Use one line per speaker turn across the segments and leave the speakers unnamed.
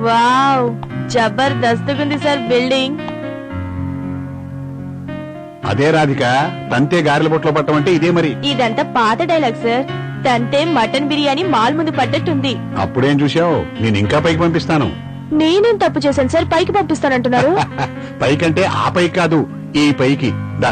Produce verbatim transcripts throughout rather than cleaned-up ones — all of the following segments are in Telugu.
Wow, జబర్దస్తుగుంది sir building.
అదే రాధిక, తంతే గారెల బొట్లో పట్టమంటే ఇదే మరి.
ఇదంతా పాత డైలాగ్ సార్. తంతే మటన్ బిర్యానీ మాల్ ముందు పడ్డట్టుంది.
అప్పుడేం చూసావు, నేను ఇంకా పైకి పంపిస్తాను.
నేనేం తప్పు చేశాను సార్ పైకి పంపిస్తానంటున్నారు?
పైకంటే ఆ పైకి కాదు, ఈ పైకి దా.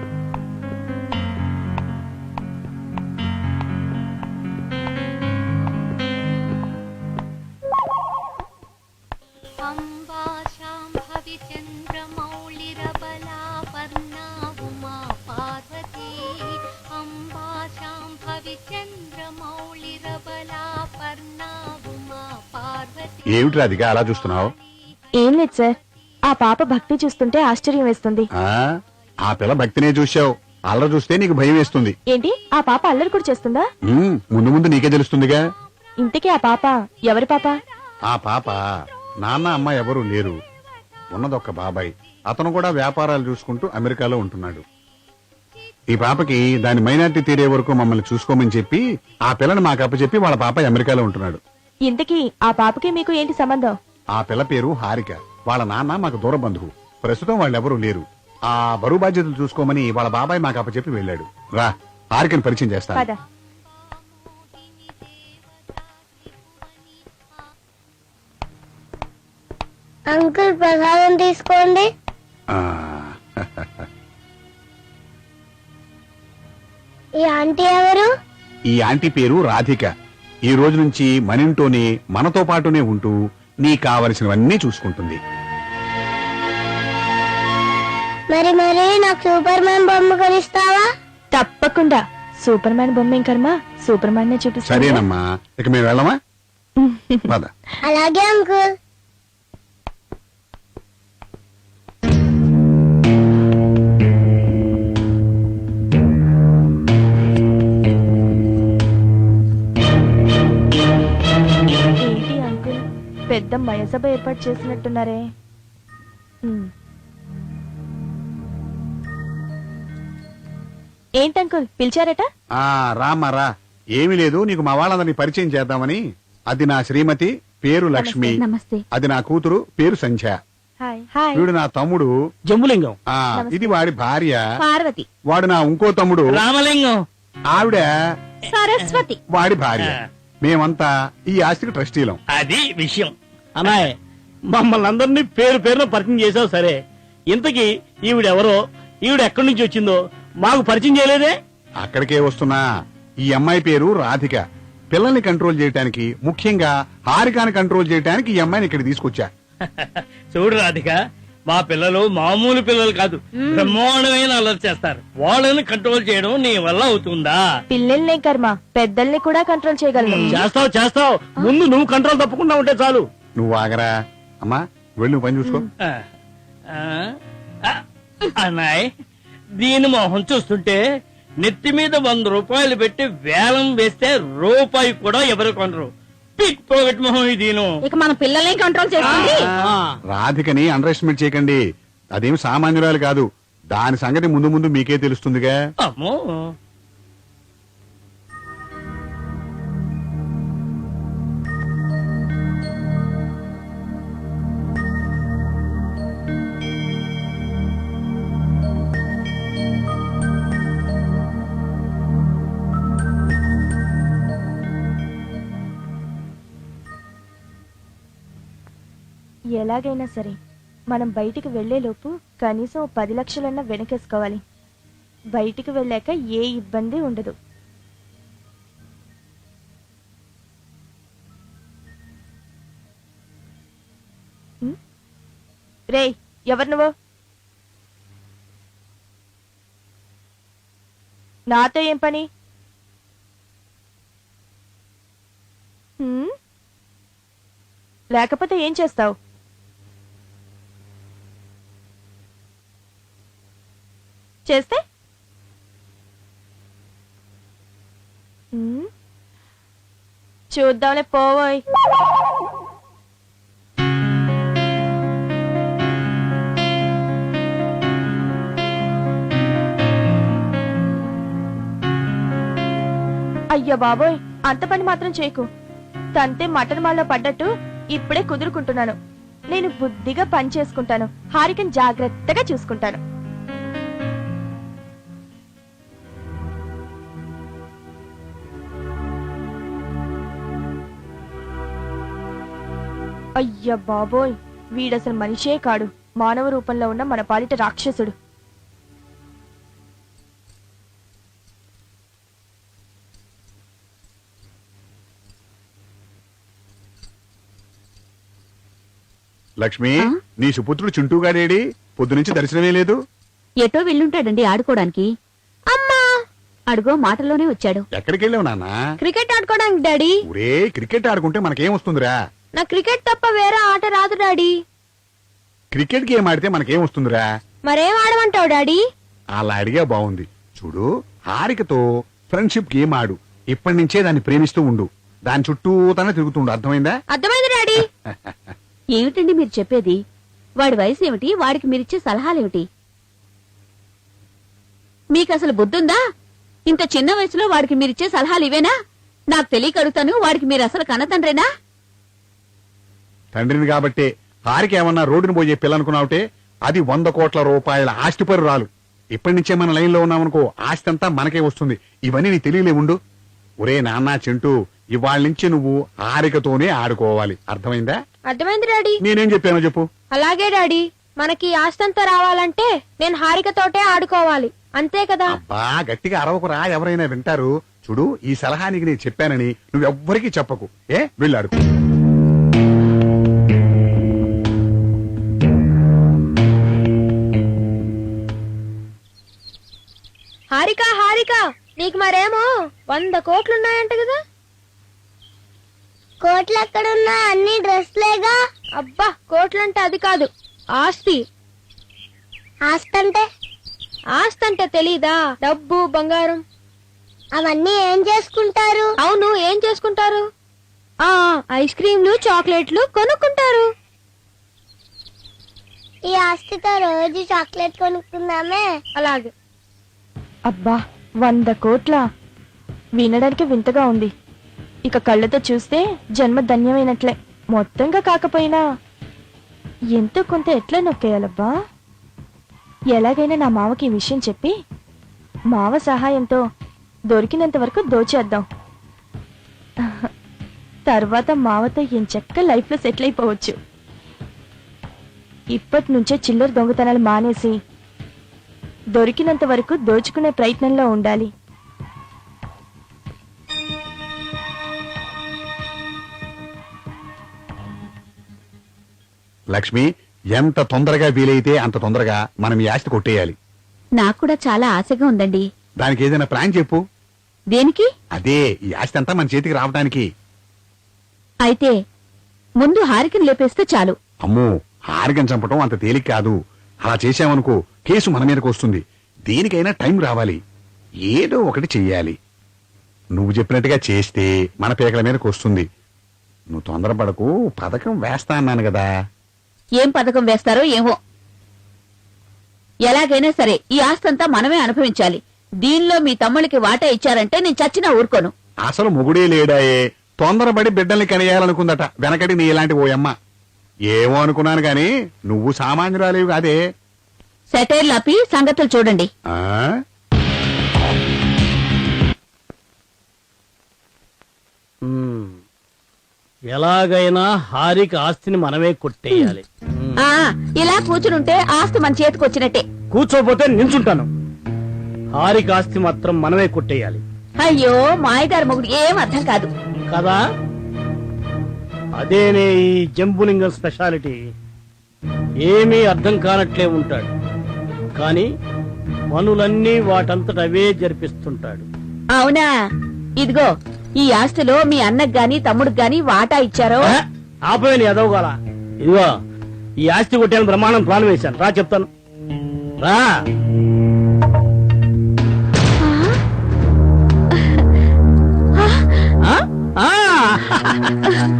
ఏమిటి రాధిక అలా చూస్తున్నావు?
ఏం లేదు సార్, ఆ పాప భక్తి చూస్తుంటే ఆశ్చర్యం వేస్తుంది.
ఆ పిల్ల భక్తినే చూసావు, అల్లరి చూస్తే నీకు భయం వేస్తుంది.
ఏంటి, ఆ పాప అల్లరి కూడా చేస్తుందా?
ముందు ముందు నీకే తెలుస్తుందిగా.
ఇంతకీ ఆ పాప ఎవరి పాప?
ఆ పాప నాన్న అమ్మ ఎవరూ లేరు, ఉన్నదొక్క బాబాయ్. అతను కూడా వ్యాపారాలు చూసుకుంటూ అమెరికాలో ఉంటున్నాడు. ఈ పాపకి దాని మైనార్టీ తీరే వరకు మమ్మల్ని చూసుకోమని చెప్పి ఆ పిల్లని మాకు అప్పచెప్పి వాళ్ళ పాప అమెరికాలో ఉంటున్నాడు.
ఇంతకీ ఆ పాపకి మీకు ఏంటి సంబంధం?
ఆ పిల్ల పేరు హారిక. వాళ్ళ నాన్న మాకు దూర బంధువు. ప్రస్తుతం వాళ్ళెవరూ లేరు. ఆ బరువు బాధ్యతలు చూసుకోమని వాళ్ళ బాబాయ్ మాకు అప్పచెప్పి వెళ్ళాడు. రా, హారికని పరిచయం చేస్తాను.
అంకుల్ ప్రసాదం తీసుకోండి. ఈ ఆంటీ ఎవరు?
ఈ ఆంటీ పేరు రాధిక. ఈ రోజు నుంచి మనింటోనే మనతో పాటునే ఉంటూ నీ కావలసినవన్నీ చూసుకుంటుంది.
మరి మరి నాకు సూపర్ మ్యాన్ బొమ్మ కొనిస్తావా?
తప్పకుండా. సూపర్ మ్యాన్ బొమ్మ ఏం కర్మ, సూపర్ మ్యాన్ నే చూపిస్తా.
సరేనమ్మా, ఇక మేము వెళ్ళమా?
అలాగే అంకుల్.
పెద్ద మయసభ ఏర్పాటు చేసినట్టున్నారే. ఏంటంకుల్ పిలిచారట?
రామారా, ఏమీ లేదు, నీకు మా వాళ్ళందరినీ పరిచయం చేద్దామని. అది నా శ్రీమతి, పేరు లక్ష్మి.
నమస్తే.
అది నా కూతురు, పేరు సంధ్య. వీడు నా తమ్ముడు
జంబులింగం.
ఇది వాడి భార్య
పార్వతి.
వాడు నా ఇంకో తమ్ముడు
రామలింగం.
ఆవిడ
సరస్వతి,
వాడి భార్య. మేమంతా ఈ ఆస్తికి ట్రస్టీలం.
అది విషయం. అన్నాయ్, మమ్మల్ని అందరినీ పేరు పేరున పరిచయం చేసావు. సరే, ఇంతకీ ఈవిడెవరో, ఈవిడ ఎక్కడి నుంచి వచ్చిందో మాకు పరిచయం చేయలేదే?
అక్కడికే వస్తున్నా. ఈ అమ్మాయి పేరు రాధిక. పిల్లల్ని కంట్రోల్ చేయడానికి, ముఖ్యంగా హారికాని కంట్రోల్ చేయడానికి ఈ అమ్మాయిని ఇక్కడ తీసుకొచ్చా.
చూడు రాధిక, మా పిల్లలు మామూలు పిల్లలు కాదు, బ్రహ్మాండమైన అల్లరి చేస్తారు. వాళ్ళని కంట్రోల్ చేయడం నీ వల్ల అవుతుందా?
పిల్లల్నే కర్మ, పెద్దల్ని కూడా కంట్రోల్ చేయగలను.
చేస్తావు చేస్తావు ముందు నువ్వు కంట్రోల్ తప్పకుండా ఉంటే చాలు.
నువ్వు ఆగరా అమ్మా, వెళ్ళి పని చూసుకో.
అన్నాయ్, దీని మొహం చూస్తుంటే నెత్తి మీద వంద రూపాయలు పెట్టి వేలం వేస్తే రూపాయి కూడా ఎవరు కొనరు. పిక్ పోగొట్టు మొహం ఇది.
ఇక మన పిల్లల్ని కంట్రోల్ చేస్తుంది.
రాధికని అండర్ ఎస్టిమేట్ చేయకండి. అదేమి సామాన్యురాలు కాదు. దాని సంగతి ముందు ముందు మీకే తెలుస్తుందిగా.
అమ్మో,
ఎలాగైనా సరే మనం బయటికి వెళ్లేలోపు కనీసం పది లక్షలన్నా వెనకేసుకోవాలి. బయటికి వెళ్ళాక ఏ ఇబ్బంది ఉండదు. రేయ్, ఎవరు నువ్వు? నాతో ఏం పని? లేకపోతే ఏం చేస్తావు? చేస్తే చూద్దాంలే, పోవోయ్. అయ్యో బాబోయ్, అంత పని మాత్రం చేయకు. తంతే మటన్ మాల్లో పడ్డట్టు ఇప్పుడే కుదురుకుంటున్నాను. నేను బుద్ధిగా పని చేసుకుంటాను. హారికని జాగ్రత్తగా చూసుకుంటాను. అయ్య బాబోయ్, వీడసలు మనిషే కాడు, మానవ రూపంలో ఉన్న మన పాలిట రాక్షసుడు.
లక్ష్మి, నీ సుపుత్రుడు చింటూగాడేడి? పొద్దునుంచి దర్శనమే లేదు.
ఎటో వెళ్ళుంటాడండి ఆడుకోవడానికి. అమ్మా అడుగో మాటల్లోనే వచ్చాడు.
ఎక్కడికి వెళ్ళావు నాన్న?
క్రికెట్ ఆడుకోవడానికి డాడీ.
ఊరే, క్రికెట్ ఆడుకుంటే మనకేం వస్తుందిరా?
నా క్రికెట్ తప్ప వేరే ఆట రాదు డాడీ.
క్రికెట్ గేమ్ ఆడితే మనకేం వస్తుందిరా?
మరేం ఆడమంటావు డాడీ?
అలా అడిగా బాగుంది. చూడు, హారికతో ఫ్రెండ్షిప్ గేమ్ ఆడు. ఇప్పటి నుంచే దాన్ని ప్రేమిస్తూ ఉండు. దాని చుట్టూ తన తిరుగుతుండు. అర్థమైందా?
అర్థమైంది డాడీ.
ఏమిటండి మీరు చెప్పేది? వాడి వయసు ఏమిటి? వాడికి మీరిచ్చే సలహాలేమిటి? మీకసలు బుద్ధుందా? ఇంత చిన్న వయసులో వాడికి మీరిచ్చే సలహాలు ఇవేనా? నాకు తెలియక అడుగుతాను, వాడికి మీరు అసలు కన్నతండ్రేనా?
తండ్రిని కాబట్టే హారిక ఏమన్నా రోడ్డును పోయే పిల్లనుకున్నావుటే అది వంద కోట్ల రూపాయల ఆస్తిపరు రాలు. ఇప్పటి నుంచే మన లైన్ లో ఉన్నామనుకో, ఆస్తి అంతా మనకే వస్తుంది. ఇవన్నీ నీ తెలియలే ఉండు. ఒరే నాన్న చింటూ, ఇవాళ నుంచి నువ్వు హారికతోనే ఆడుకోవాలి. అర్థమైందా?
అర్థమైంది డాడీ.
నేనేం చెప్పానో చెప్పు.
అలాగే డాడీ. మనకి ఆస్తంతా రావాలంటే నేను హారికతోటే ఆడుకోవాలి, అంతే కదా?
అబ్బా, గట్టిగా అరవకురా, ఎవరైనా వింటారు. చూడు, ఈ సలహా నీకు నేను చెప్పానని నువ్వెవ్వరికీ చెప్పకు. ఏ వెళ్ళాడు.
హారిక హారిక, నీకు మరేమో వంద కోట్లున్నాయంట కదా? కోట్లు ఎక్కడున్నా, అన్ని డ్రెస్లేగా. అబ్బా, కోట్లంటే అది కాదు, ఆస్తి. ఆస్తి అంటే? ఆస్తి అంటే తెలీదా? డబ్బు, బంగారం. అవన్నీ ఏం చేసుకుంటారు? అవును, ఏం చేసుకుంటారు? ఆ ఐస్ క్రీంలు, చాక్లెట్లు కొనుక్కుంటారు. ఈ ఆస్తితో రోజు చాక్లెట్ కొనుక్కుందామే. అలాగే.
అబ్బా, వంద కోట్ల! వినడానికి వింతగా ఉంది. ఇక కళ్ళతో చూస్తే జన్మ ధన్యమైనట్లే. మొత్తంగా కాకపోయినా ఎంతో కొంత ఎట్లా నొక్కేయాలబ్బా. ఎలాగైనా నా మావకి ఈ విషయం చెప్పి మావ సహాయంతో దొరికినంత వరకు దోచేద్దాం. తర్వాత మావతో ఎంచక్క లైఫ్ లో సెటిల్ అయిపోవచ్చు. ఇప్పటి నుంచే చిల్లర దొంగతనాలు మానేసి దొరికినంత వరకు దోచుకునే ప్రయత్నంలో ఉండాలి.
లక్ష్మి, ఎంత తొందరగా వీలైతే అంత తొందరగా మనం ఈ ఆస్తి కొట్టేయాలి.
నాకు కూడా చాలా ఆశగా ఉందండి.
దానికి ఏదైనా ప్లాన్ చెప్పు.
దేనికి?
అదే, ఈ ఆస్తి అంతా మన చేతికి రావడానికి.
అయితే ముందు హారికని లేపేస్తే చాలు.
అమ్మో, హారికని చంపటం అంత తేలిక కాదు. అలా చేశామనుకో, కేసు మన మీదకి వస్తుంది. దేనికైనా టైం రావాలి. ఏదో ఒకటి చెయ్యాలి. నువ్వు చెప్పినట్టుగా చేస్తే మన పేకల మీదకి వస్తుంది. నువ్వు తొందరపడకు, పథకం వేస్తా అన్నాను కదా.
ఏం పథకం వేస్తారో ఏమో. ఎలాగైనా సరే ఈ ఆస్తంతా మనమే అనుభవించాలి. దీనిలో మీ తమ్ముళ్ళకి వాటా ఇచ్చారంటే నేను చచ్చినా ఊరుకోను.
అసలు మొగుడే లేడాయే, తొందరపడి బిడ్డల్ని కనేయాలనుకుందట వెనకటి నీ ఇలాంటి ఓ అమ్మ. ఏమో అనుకున్నాను గాని నువ్వు సామాన్యురాలేవి కాదే.
సెటైర్ లాపి సంగతులు చూడండి.
ఆ
ఎలాగైనా హారిక ఆస్తిని మనమే కొట్టేయాలి.
ఆ ఇలా కూర్చునుంటే ఆస్తి మన చేతికి వచ్చినట్టే.
కూర్చోపోతే నించుంటాను. హారిక ఆస్తి మాత్రం మనమే కొట్టేయాలి.
అయ్యో, మాయగారు మొగుడు ఏం అర్థం కాదు
కదా. అదేనే ఈ జంబులింగం స్పెషాలిటీ. ఏమీ అర్థం కానట్లే ఉంటాడు, కానీ పనులన్నీ వాటంతట అవే జరిపిస్తుంటాడు.
అవునా? ఇదిగో, ఈ ఆస్తిలో మీ అన్నకు గాని తమ్ముడికి గాని వాటా ఇచ్చారో?
ఆపవేని ఎదవగాల. ఇదిగో, ఈ ఆస్తి కొట్టాను బ్రహ్మాండం ప్లాన్ వేశాను. రా చెప్తాను, రా. ఆ? ఆ?